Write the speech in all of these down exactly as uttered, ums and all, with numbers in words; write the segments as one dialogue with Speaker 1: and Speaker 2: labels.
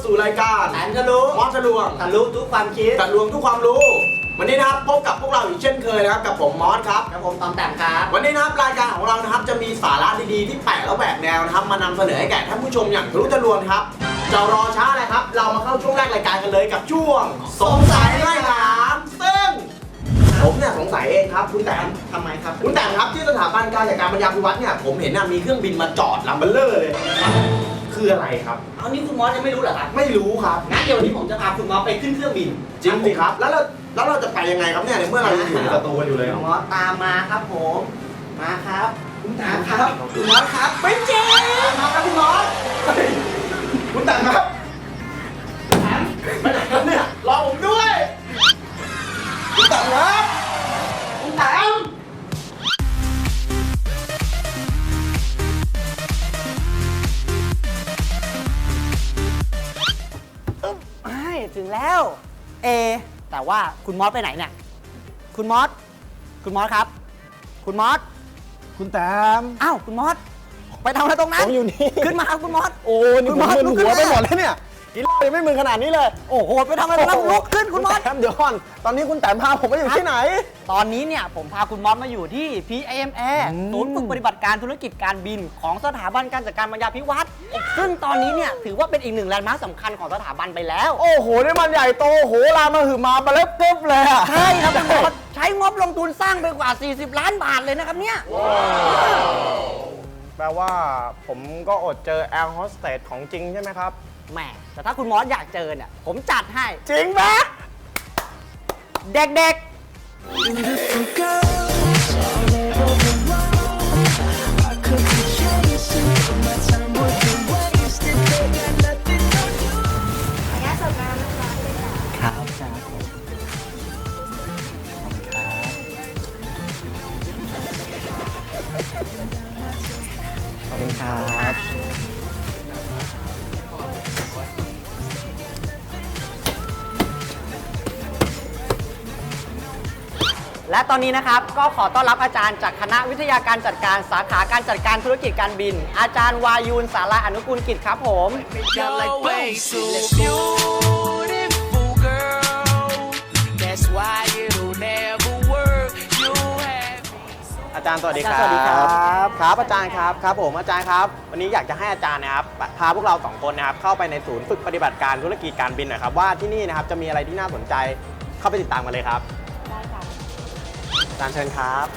Speaker 1: สู่รายการ
Speaker 2: แสนทะลุ
Speaker 1: มอสทะลวง
Speaker 2: ทะลุทุกความคิด
Speaker 1: ทะลวงทุกความรู้วันนี้นะครับพบกับพวกเราอีกเช่นเคยนะครับกับผมมอสครับ
Speaker 2: กับผมตอมแต้มครับ
Speaker 1: วันนี้นะครับรายการของเรานะครับจะมีสาระดีๆที่แปลกและแหวกแนวนะครับมานำเสนอให้แก่ท่านผู้ชมอย่างทะลุทะลวงครับจะรอช้าอะไรครับเรามาเข้าช่วงแรกรายการกันเลยกับช่วงสงสัยไล่ถามซึ่งผมเนี่ยสงสัยเองครับคุณแต้ม
Speaker 2: ทำไมครับ
Speaker 1: คุณแต้มครับที่สถาบันการจัดการปัญญาพิวัตรเนี่ยผมเห็นนะมีเครื่องบินมาจอดลำเบลเลอร์เลยคืออะไรครับ
Speaker 2: เอานี่คุณมอสยังไม่รู้เหรอครับ
Speaker 1: ไม่รู้ครับ
Speaker 2: งั้นเดี๋ยววันนี้ผมจะพาคุณมอสไปขึ้นเครื่องบิน
Speaker 1: จริงสิครับแล้วเราแล้วเราจะไปยังไงครับเนี่ยในเมื่อเราอยู่ในสตูกันอยู่เลย
Speaker 2: คุณมอสตามมาครับผมมาครับคุณตามครับคุณมอสครับไม่จริงมาครับคุณมอส
Speaker 1: คุณแต้มครับ
Speaker 2: แต้ม
Speaker 1: ไปไหนครับเนี่ยรอผมด้วยคุณแต้มครับ
Speaker 2: คุณแต้มถึงแล้วเอแต่ว่าคุณมอสไปไหนเนี่ยคุณมอสคุณมอสครับคุณมอส
Speaker 3: คุณแต้ม
Speaker 2: อ้าวคุณมอสไปทำอะไรตรงนั้น
Speaker 3: ผมอยู่นี่
Speaker 2: ขึ้นมาครับคุณมอส
Speaker 3: โอ้นี่ผมมึนหัวไปหมดแล้วเนี่ยกินเหล้ายังไม่มึนขนาดนี้เลย
Speaker 2: โอ้โหไปทำอะไรตรงนั้นลุกขึ้นคุณมอส
Speaker 3: เดี๋ยวก่อนตอนนี้คุณแต้มพาผมไปอยู่ที่ไหน
Speaker 2: ตอนนี้เนี่ยผมพาคุณมอสมาอยู่ที่ พี เอ เอ็ม เอ ศูนย์ฝึกปฏิบัติการธุรกิจการบินของสถาบันการจัดการปัญญาพิวัตรซึ่งตอนนี้เนี่ยถือว่าเป็นอีกหนึ่งแลนด์มาร์คสำคัญของสถาบันไปแล้ว
Speaker 3: โอ้โหนี่มันใหญ่โตโหรามาหือมาบาเล็บกึ๊บเลยอะ
Speaker 2: ใช่ครับคุณมอสใช้งบลงทุนสร้างไปกว่าสี่สิบล้านบาทเลยนะครับเนี่ย
Speaker 3: แปลว่าผมก็อดเจอแอร์โฮสเตสของจริงใช่ไหมครับ
Speaker 2: แหมแต่ถ้าคุณมอสอยากเจอเนี่ยผมจัดให้
Speaker 3: จริงไหม
Speaker 2: เด็กๆขอบคุณครับและตอนนี้นะครับก็ขอต้อนรับอาจารย์จากคณะวิทยาการจัดการสาขาการจัดการธุรกิจการบินอาจารย์วายูนสาราอนุกูลกิจครับผม
Speaker 3: อาจารย์สวัสดีครับสวัสดีครับครับอาจารย์ครับครับผมอาจารย์ครับวันนี้อยากจะให้อาจารย์นะครับพาพวกเราสองคนนะครับเข้าไปในศูนย์ฝึกปฏิบัติการธุรกิจการบินนะครับว่าที่นี่นะครับจะมีอะไรที่น่าสนใจเข้าไปติดตามกันเลยครับ
Speaker 4: ได้ค่ะ
Speaker 3: อาจารย์เชิญครับ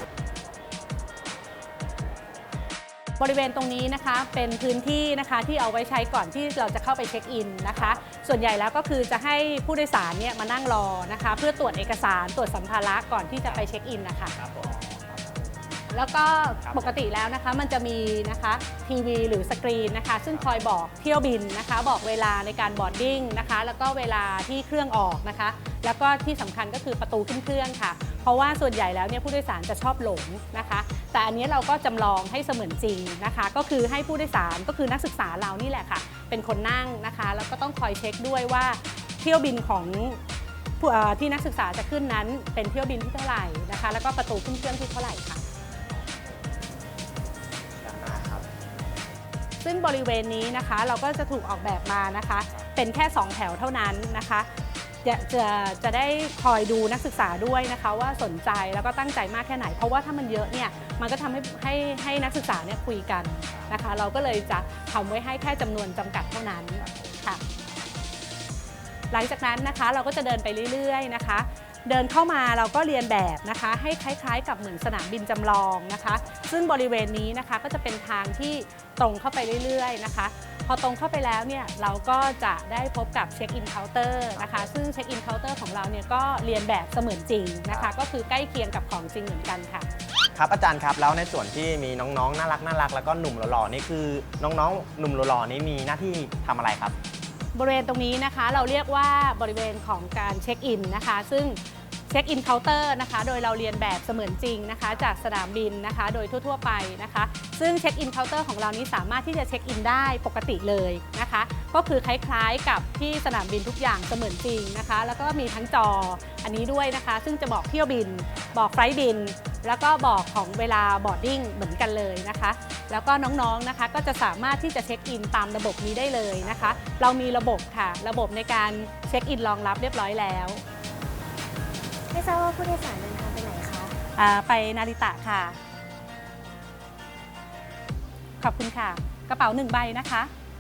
Speaker 4: บริเวณตรงนี้นะคะเป็นพื้นที่นะคะที่เอาไว้ใช้ก่อนที่เราจะเข้าไปเช็คอินนะคะส่วนใหญ่แล้วก็คือจะให้ผู้โดยสารเนี่ยมานั่งรอนะคะเพื่อตรวจเอกสารตรวจสัมภาระก่อนที่จะไปเช็คอินนะคะแล้วก็ปกติแล้วนะคะมันจะมีนะคะทีวีหรือสกรีนนะคะซึ่งคอยบอกเที่ยวบินนะคะบอกเวลาในการบอร์ดดิ้งนะคะแล้วก็เวลาที่เครื่องออกนะคะแล้วก็ที่สำคัญก็คือประตูขึ้นเครื่องค่ะเพราะว่าส่วนใหญ่แล้วเนี่ยผู้โดยสารจะชอบหลงนะคะแต่อันนี้เราก็จำลองให้เสมือนจริงนะคะก็คือให้ผู้โดยสารก็คือนักศึกษาเรานี่แหละค่ะเป็นคนนั่งนะคะแล้วก็ต้องคอยเช็คด้วยว่าเที่ยวบินของที่นักศึกษาจะขึ้นนั้นเป็นเที่ยวบินที่เท่าไหร่นะคะแล้วก็ประตูขึ้นเครื่องที่เท่าไหร่ค่ะซึ่งบริเวณนี้นะคะเราก็จะถูกออกแบบมานะคะเป็นแค่สองแถวเท่านั้นนะคะจะจะจะได้คอยดูนักศึกษาด้วยนะคะว่าสนใจแล้วก็ตั้งใจมากแค่ไหนเพราะว่าถ้ามันเยอะเนี่ยมันก็ทำให้ให้ให้นักศึกษาเนี่ยคุยกันนะคะเราก็เลยจะทำไว้ให้แค่จำนวนจำกัดเท่านั้นค่ะหลังจากนั้นนะคะเราก็จะเดินไปเรื่อยๆนะคะเดินเข้ามาเราก็เรียนแบบนะคะให้คล้ายๆกับเหมือนสนามบินจำลองนะคะซึ่งบริเวณนี้นะคะก็จะเป็นทางที่ตรงเข้าไปเรื่อยๆนะคะพอตรงเข้าไปแล้วเนี่ยเราก็จะได้พบกับเช็คอินเคาน์เตอร์นะคะซึ่งเช็คอินเคาน์เตอร์ของเราเนี่ยก็เรียนแบบเสมือนจริงนะคะก็คือใกล้เคียงกับของจริงเหมือนกันค่ะ
Speaker 3: ครับอาจารย์ครับแล้วในส่วนที่มีน้องๆน่ารักน่ารักแล้วก็หนุ่มหล่อๆนี่คือน้องๆหนุ่มหล่อๆนี่มีหน้าที่ทำอะไรครับ
Speaker 4: บริเวณตรงนี้นะคะเราเรียกว่าบริเวณของการเช็คอินนะคะซึ่งเช็คอินเคาน์เตอร์นะคะโดยเราเรียนแบบเสมือนจริงนะคะจากสนามบินนะคะโดยทั่วๆไปนะคะซึ่งเช็คอินเคาน์เตอร์ของเรานี้สามารถที่จะเช็คอินได้ปกติเลยนะคะก็คือคล้ายๆกับที่สนามบินทุกอย่างเสมือนจริงนะคะแล้วก็มีทั้งจออันนี้ด้วยนะคะซึ่งจะบอกเที่ยวบินบอกไฟล์บินแล้วก็บอกของเวลาบอร์ดดิ้งเหมือนกันเลยนะคะ แล้วก็น้องๆนะคะก็จะสามารถที่จะเช็คอินตามระบบนี้ได้เลยนะคะ เรามีระบบค่ะระบบในการเช็คอินรองรับเรียบร้อยแล้ว
Speaker 5: ไม่ทราบว่าผู้โดยสารเดินทางไปไหนคะ
Speaker 4: อ่าไปนาริตะค่ะ ขอบคุณค่ะ กระเป๋าหนึ่งใบนะคะ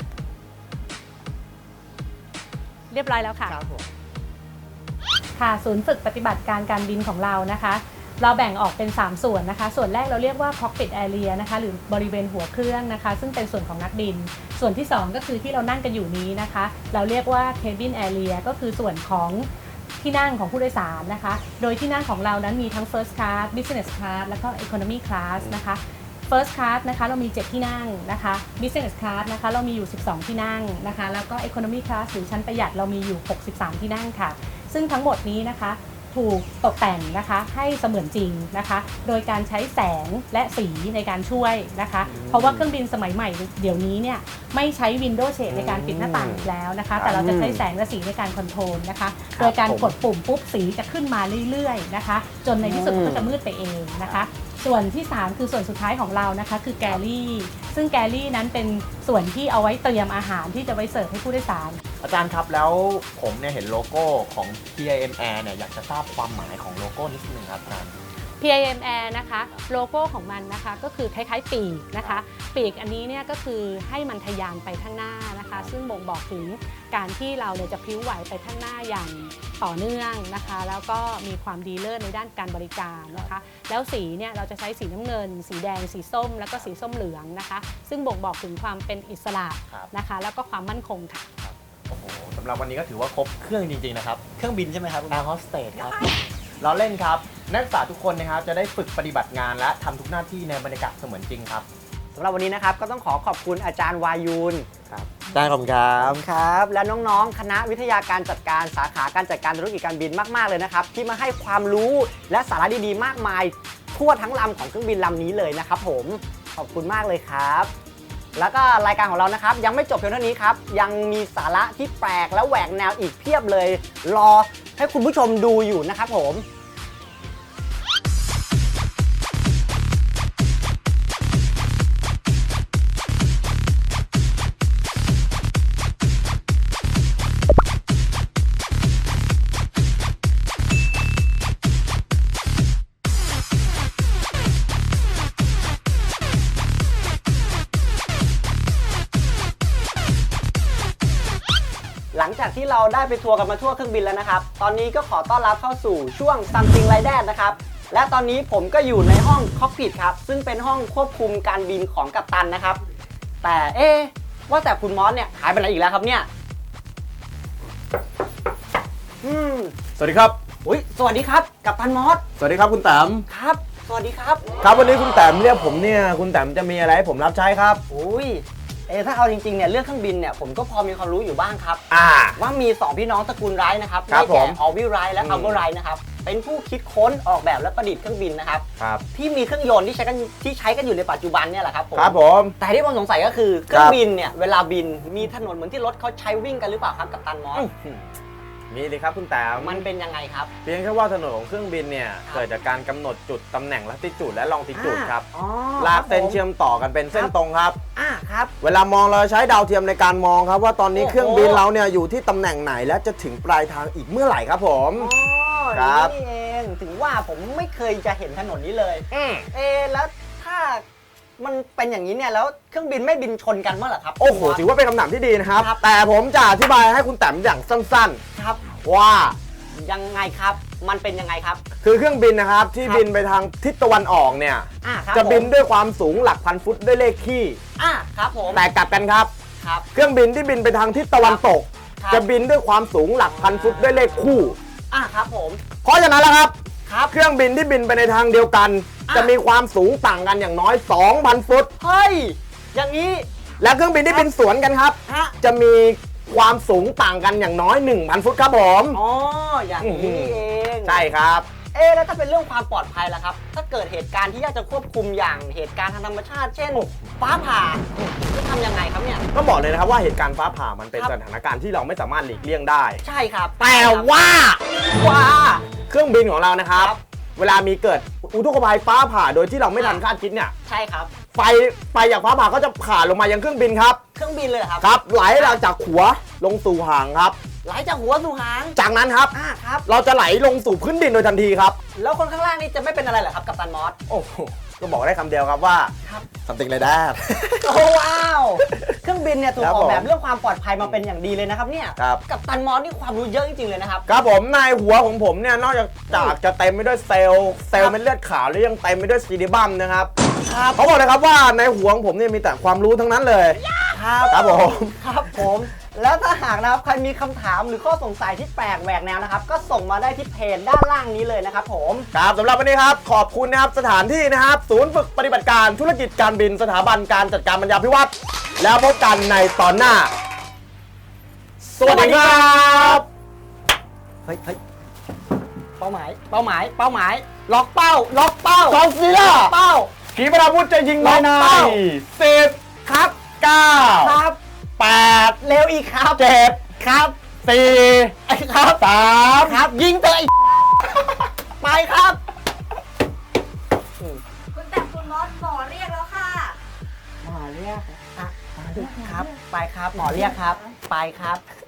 Speaker 4: เรียบร้อยแล้วค่ะ
Speaker 2: ครับผม
Speaker 4: ค่ะศูนย์ฝึกปฏิบัติการการบินของเรานะคะ เราแบ่งออกเป็นสามส่วนนะคะ ส่วนแรกเราเรียกว่า cockpit area นะคะหรือบริเวณหัวเครื่องนะคะ ซึ่งเป็นส่วนของนักบิน ส่วนที่สองก็คือที่เรานั่งกันอยู่นี้นะคะ เราเรียกว่า cabin area ก็คือส่วนของที่นั่งของผู้โดยสารนะคะ โดยที่นั่งของเรานั้นมีทั้ง first class business class แล้วก็ economy class นะคะ first class นะคะเรามีเจ็ดที่นั่งนะคะ business class นะคะเรามีอยู่สิบสองที่นั่งนะคะแล้วก็ economy class หรือชั้นประหยัดเรามีอยู่หกสิบสามที่นั่งค่ะซึ่งทั้งหมดนี้นะคะถูกตกแต่งนะคะให้เสมือนจริงนะคะโดยการใช้แสงและสีในการช่วยนะคะเพราะว่าเครื่องบินสมัยใหม่เดี๋ยวนี้เนี่ยไม่ใช้ window shade ในการปิดหน้าต่างอีกแล้วนะคะแต่เราจะใช้แสงและสีในการคอนโทรลนะคะโดยการกดปุ่มปุ๊บสีจะขึ้นมาเรื่อยๆนะคะจนในที่สุดก็จะมืดไปเองนะคะส่วนที่สามคือส่วนสุดท้ายของเรานะคะคือแกลลี่ซึ่งแกลลี่นั้นเป็นส่วนที่เอาไว้เตรียมอาหารที่จะไว้เสิร์ฟให้ผู้โดยสาร
Speaker 3: อาจารย์ครับแล้วผมเนี่ยเห็นโลโก้ของ พี ไอ เอ็ม Air เนี่ยอยากจะทราบความหมายของโลโก้นิดนึงครับอาจารย์
Speaker 4: พี ไอ เอ็ม Air นะคะโลโก้ของมันนะคะก็คือคล้ายๆปีกนะคะปีกอันนี้เนี่ยก็คือให้มันทะยานไปข้างหน้านะคะซึ่งบ่งบอกถึงการที่เราเนี่ยจะพลิ้วไหวไปข้างหน้าอย่างต่อเนื่องนะคะแล้วก็มีความดีเลิศในด้านการบริการนะคะแล้วสีเนี่ยเราจะใช้สีน้ำเงิน สีแดงสีส้มแล้วก็สีส้มเหลืองนะคะซึ่งบ่งบอกถึงความเป็นอิสระนะคะแล้วก็ความมั่นคงค่ะ
Speaker 3: โอ้โหสำหรับวันนี้ก็ถือว่าครบเครื่องจริงๆนะครับ
Speaker 2: เครื่องบินใช่ไหมครับ
Speaker 3: แอร์โฮสเตสครับเราเล่นครับนักศึกษาทุกคนนะครับจะได้ฝึกปฏิบัติงานและทำทุกหน้าที่ในบรรยากาศเสมือนจริงครับ
Speaker 2: สำหรับวันนี้นะครับก็ต้องขอขอบคุณอาจารย์วายุน
Speaker 3: ครับได้ขอบคุณครับ
Speaker 2: ครับ และน้องๆ คณะวิทยาการจัดการสาขาการจัดการธุรกิจการบินมากๆเลยนะครับที่มาให้ความรู้และสาระดีๆมากมายทั่วทั้งลำของเครื่องบินลำนี้เลยนะครับผมขอบคุณมากเลยครับ แล้วก็รายการของเรานะครับยังไม่จบเพียงเท่านี้ครับยังมีสาระที่แปลกและแหวกแนวอีกเพียบเลย รอให้คุณผู้ชมดูอยู่นะครับผมหลังจากที่เราได้ไปทัวร์กันมาทั่วเครื่องบินแล้วนะครับตอนนี้ก็ขอต้อนรับเข้าสู่ช่วง Something Like That นะครับและตอนนี้ผมก็อยู่ในห้อง Cockpit ครับซึ่งเป็นห้องควบคุมการบินของกัปตันนะครับแต่เอ๊ะว่าแต่คุณมอสเนี่ยหายไปไหนอีกแล้วครับเนี่ยอืม
Speaker 3: สวัสดีครับ
Speaker 2: อุ๊ยสวัสดีครับกัปตันมอส
Speaker 3: สวัสดีครับคุณแต้ม
Speaker 2: ครับสวัสดีครับ
Speaker 3: ครับวันนี้คุณแต้มเรียกผมเนี่ยคุณแต้มจะมีอะไรให้ผมรับใช้ครับ
Speaker 2: อุ้ยเออถ้าเอาจริงๆเนี่ยเรื่องเครื่องบินเนี่ยผมก็พอมีความรู้อยู่บ้างครับ
Speaker 3: อ่า
Speaker 2: ว่ามีสองพี่น้องตระกูลไรท์นะครับ
Speaker 3: ครับ
Speaker 2: ได้แก่
Speaker 3: ผม
Speaker 2: ออลวิลไรท์และ
Speaker 3: อืม
Speaker 2: อัลเบอร์ไรท์นะครับเป็นผู้คิดค้นออกแบบและประดิษฐ์เครื่องบินนะครับ
Speaker 3: ครับ
Speaker 2: ที่มีเครื่องยนต์ที่ใช้กันที่ใช้กันอยู่ในปัจจุบันเนี่ยแหละครับผม
Speaker 3: ครับผม
Speaker 2: แต่ที่ผมสงสัยก็คือเครื่องบินเนี่ยเวลาบินมีถนนเหมือนที่รถเขาใช้วิ่งกันหรือเปล่าครับกัปตันมอส
Speaker 3: มีเลยครับคุณแต้ม
Speaker 2: มันเป็นยังไงครับ
Speaker 3: เพียงแค่ว่าถนนของเครื่องบินเนี่ย
Speaker 2: ครับ
Speaker 3: เกิดจากการกำหนดจุดตำแหน่งลัติจูดและลองติจูดครับ
Speaker 2: อ๋อ
Speaker 3: ลากเส้น
Speaker 2: ครับผม
Speaker 3: เชื่อมต่อกันเป็นเส้นตรงครับ
Speaker 2: อ่าครับ
Speaker 3: เวลามองเราใช้ดาวเทียมในการมองครับว่าตอนนี้
Speaker 2: โอ้โห
Speaker 3: เครื่องบินเราเนี่ยอยู่ที่ตำแหน่งไหนและจะถึงปลายทางอีกเมื่อไหร่ครับผม
Speaker 2: อ๋อ
Speaker 3: ครับ
Speaker 2: นี่เองถึงว่าผมไม่เคยจะเห็นถนนนี้เลย
Speaker 3: อืม
Speaker 2: เอะแล้วถ้ามันเป็นอย่างนี้เนี่ยแล้วเครื่องบินไม่บินชนกันเมื่อไหร่ครับ
Speaker 3: โอ้โหถือว่าเป็นคำถามที่ดีนะครับ
Speaker 2: ครับ
Speaker 3: แต่ผมจะอธิบายให้คุณแต้มอย่างสั้น
Speaker 2: ครับ
Speaker 3: ๆ ว่า
Speaker 2: ยังไงครับมันเป็นยังไงครับ
Speaker 3: คือเครื่องบินนะครับที่
Speaker 2: ครับ
Speaker 3: บินไปทางทิศตะวันออกเนี่ย
Speaker 2: อ่าครับ
Speaker 3: จะบิน
Speaker 2: ผม
Speaker 3: ด้วยความสูงหลักพันฟุตด้วยเลขคี่
Speaker 2: อ่าครับผม
Speaker 3: แต่กลับกันครับ
Speaker 2: ครับ
Speaker 3: เครื่องบินที่บินไปทางทิศตะวันตก
Speaker 2: ครับ
Speaker 3: จะบินด้วยความสูงหลักพันฟุตด้วยเลขคู่
Speaker 2: อ่าครับผม
Speaker 3: เพราะฉะนั้นแล้วครับ
Speaker 2: ครับ
Speaker 3: เครื่องบินที่บินไปในทางเดียวกัน
Speaker 2: อ่ะ
Speaker 3: จะมีความสูงต่างกันอย่างน้อย สองพัน ฟุต
Speaker 2: เฮ้ยอย่างนี้
Speaker 3: และเครื่องบินที่บินสวนกันครับ
Speaker 2: ฮะ
Speaker 3: จะมีความสูงต่างกันอย่างน้อย หนึ่งพัน ฟุตครับผม
Speaker 2: อ๋ออย่างนี้นี่เอง
Speaker 3: ใช่ครับ
Speaker 2: เอ๊ะแล้วถ้าเป็นเรื่องความปลอดภัยล่ะครับ ถ้าเกิดเหตุการณ์ที่ยากจะควบคุมอย่างเหตุการณ์ทางธรรมชาติ เช่นฟ้าผ่าจะทำยังไงครับเนี่ย
Speaker 3: ก็บอกเลยนะครับว่าเหตุการณ์ฟ้าผ่ามันเป็น
Speaker 2: ครับ
Speaker 3: สถานการณ์ที่เราไม่สามารถหลีกเลี่ยงได้
Speaker 2: ใช่ครับ
Speaker 3: แต่ว่า
Speaker 2: ว่า
Speaker 3: เครื่องบินของเรานะครับ
Speaker 2: ครับ
Speaker 3: เวลามีเกิด
Speaker 1: อุทกภัยฟ้าผ่าโดยที่เราไม่ทันคาดคิดเนี่ย
Speaker 2: ใช่ครับ
Speaker 1: ไฟไฟจากฟ้าผ่าก็จะผ่าลงมายังเครื่องบินครับ
Speaker 2: เครื่องบินเลยเหรอครับ
Speaker 1: ครับไหลหลังจากหัวลงสู่หางครับ
Speaker 2: ไหลจากหัวสู่หาง
Speaker 1: จากนั้นครับ
Speaker 2: อ่าครับ
Speaker 1: เราจะไหลลงสู่พื้นดินโดยทันทีครับ
Speaker 2: แล้วคนข้างล่างนี่จะไม่เป็นอะไรเหรอครับกัปตันมอส
Speaker 1: โอ้โหก็บอกได้คำเดียวครับว่า
Speaker 2: ครับ
Speaker 1: something like that
Speaker 2: โอ้ว้าว เครื่องบินเนี่ยถูก
Speaker 1: ครับ
Speaker 2: ออกแบบ
Speaker 1: ผม
Speaker 2: เรื่องความปลอดภัยมาเป็นอย่างดีเลยนะครับเนี่ย
Speaker 1: ครับ
Speaker 2: กัปตันมอสนี่ความรู้เยอะจริงๆเลยนะครับ
Speaker 1: ครับผมในหัวของผมเนี่ยนอกจากจากจะเต็มไปด้วยเซลล์เซลล์เม็ดเลือดขาวแล้วยังเต็มไปด้วยซีดิบัมนะครับเขาบอกเลยครับว่าในหัวของผมเนี่ยมีแต่ความรู้ทั้งนั้นเลย
Speaker 2: ครับ
Speaker 1: ครับผม
Speaker 2: ครับผม แล้วถ้าหากนะครับใครมีคำถามหรือข้อสงสัยที่แปลกแหวกแนวนะครับ ก็ส่งมาได้ที่เพจด้านล่างนี้เลยนะครับผม
Speaker 1: ครับสำหรับวันนี้ครับขอบคุณนะครับสถานที่นะครับศูนย์ฝึกปฏิบัติการธุรกิจการบินสถาบันการจัดการบรรยาภิวัตน์แล้วพบกันในตอนหน้า สวัสดีครับ
Speaker 2: เฮ้ยเฮ้ยเป้าหมาย เป้าหมาย เป้าหมาย ล็อกเป้า ล็อกเป้าก
Speaker 1: องซีล่า
Speaker 2: เป้า
Speaker 1: ขีปนาวุธจะยิง
Speaker 2: ล็อก
Speaker 1: ใน
Speaker 2: เป้า
Speaker 1: สิบครับเก้า
Speaker 2: ครับ
Speaker 1: แปด
Speaker 2: เร็วอีกครับ
Speaker 1: เจ็ด
Speaker 2: ครับ
Speaker 1: สี่
Speaker 2: ครับ
Speaker 1: สาม
Speaker 2: ครับ ยิงเตยไปครับ
Speaker 5: คุณแต่คุณมอสหมอเรียกแล้วค่ะ
Speaker 2: หมอเรียกอ่ะครับ ไปครับ หมอเรียกครับ ไปครับ